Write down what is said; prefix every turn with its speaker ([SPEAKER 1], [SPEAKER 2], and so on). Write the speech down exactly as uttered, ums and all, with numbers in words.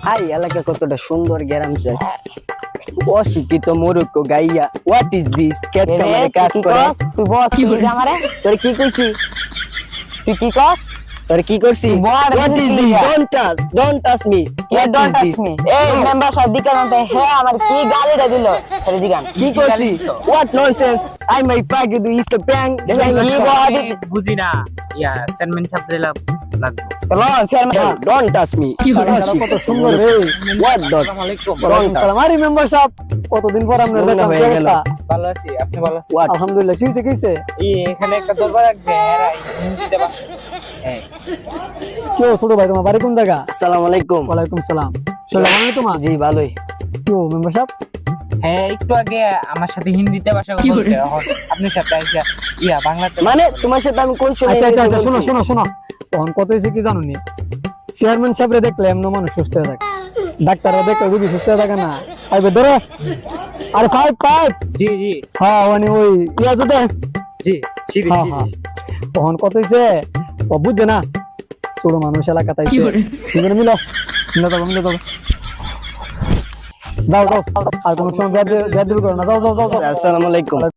[SPEAKER 1] High এলাকা কতটা সুন্দর গ্রাম চাই অশিক্ষিত মূর্খ গাইয়া হোয়াট ইজ দিস কেট কামারে কাজ করে
[SPEAKER 2] তুই বস কি আমারে
[SPEAKER 1] তোর কি কইছি
[SPEAKER 2] তুই কি কস
[SPEAKER 1] তোর কি করছি
[SPEAKER 2] What
[SPEAKER 1] what
[SPEAKER 2] is
[SPEAKER 1] is
[SPEAKER 2] this?
[SPEAKER 1] This don't touch don't touch me
[SPEAKER 2] you don't touch me এই মেম্বার সাহেব দিকে নতে হে আমার কি গালিটা দিল আরে জিগান
[SPEAKER 1] কি করছি হোয়াট ননসেন্স আই মাই পাগ ইউ ইজ দ্য ব্যাং
[SPEAKER 2] কি বডি
[SPEAKER 3] বুঝি না ইয়া সেনমেন ছাপরে লাগবে
[SPEAKER 2] চলো চেয়ারম্যান
[SPEAKER 1] ডোন্ট টাচ মি
[SPEAKER 4] কত সুন্দর রে
[SPEAKER 1] হোয়াট ডট
[SPEAKER 3] আসসালামু আলাইকুম
[SPEAKER 1] ডোন্ট টাচ
[SPEAKER 4] সালাম আরে মেম্বার সাহেব কতদিন পর আমরা
[SPEAKER 1] মনে
[SPEAKER 4] দেখা
[SPEAKER 1] হয়ে গেল।
[SPEAKER 3] ভালো আছি আপনি ভালো আছেন
[SPEAKER 1] হোয়াট
[SPEAKER 4] আলহামদুলিল্লাহ কি হইছে কি হইছে
[SPEAKER 3] এই এখানে একটা দরবার রাখবে এরা হিন্দিতে বা হ্যাঁ
[SPEAKER 4] কি ও ছোট ভাই তোমার বাড়ি কোন জায়গা
[SPEAKER 1] আসসালামু আলাইকুম
[SPEAKER 4] ওয়ালাইকুম সালাম চলো মানে তোমার
[SPEAKER 1] জি ভালোই
[SPEAKER 4] কি ও মেম্বার সাহেব
[SPEAKER 3] হ্যাঁ একটু আগে আমার সাথে হিন্দিতে ভাষা বলছে এখন আপনার সাথে আইসা ইয়া বাংলাতে
[SPEAKER 1] মানে তোমার সাথে আমি কোন সময়
[SPEAKER 4] আচ্ছা আচ্ছা আচ্ছা শোনো
[SPEAKER 1] বলছি?
[SPEAKER 4] শোনো শোনো তখন কত হয়েছে কি জানো নি চেয়ারম্যান সাহেবরে দেখলে এমন মানুষ সুস্থ হয়ে থাকে ডাক্তাররা দেখলে রুগী সুস্থ হয়ে থাকে না আইবে ধরো আরে পাইপ পাইপ
[SPEAKER 3] জি জি
[SPEAKER 4] হ্যাঁ মানে ওই ইয়া যেতে
[SPEAKER 3] জি সিঁড়ি
[SPEAKER 4] হ্যাঁ
[SPEAKER 3] সিঁড়ি
[SPEAKER 4] হ্যাঁ তখন কত হয়েছে ও বুঝছে না ছোট মানুষ এলাকা তাইছে দুজনে মিলো মিলে যাবো মিলে যাবো যাও যাও আর কোনো সময় ব্যাদ ব্যাদ করো না যাও যাও যাও যাও
[SPEAKER 1] আসসালামু আলাইকুম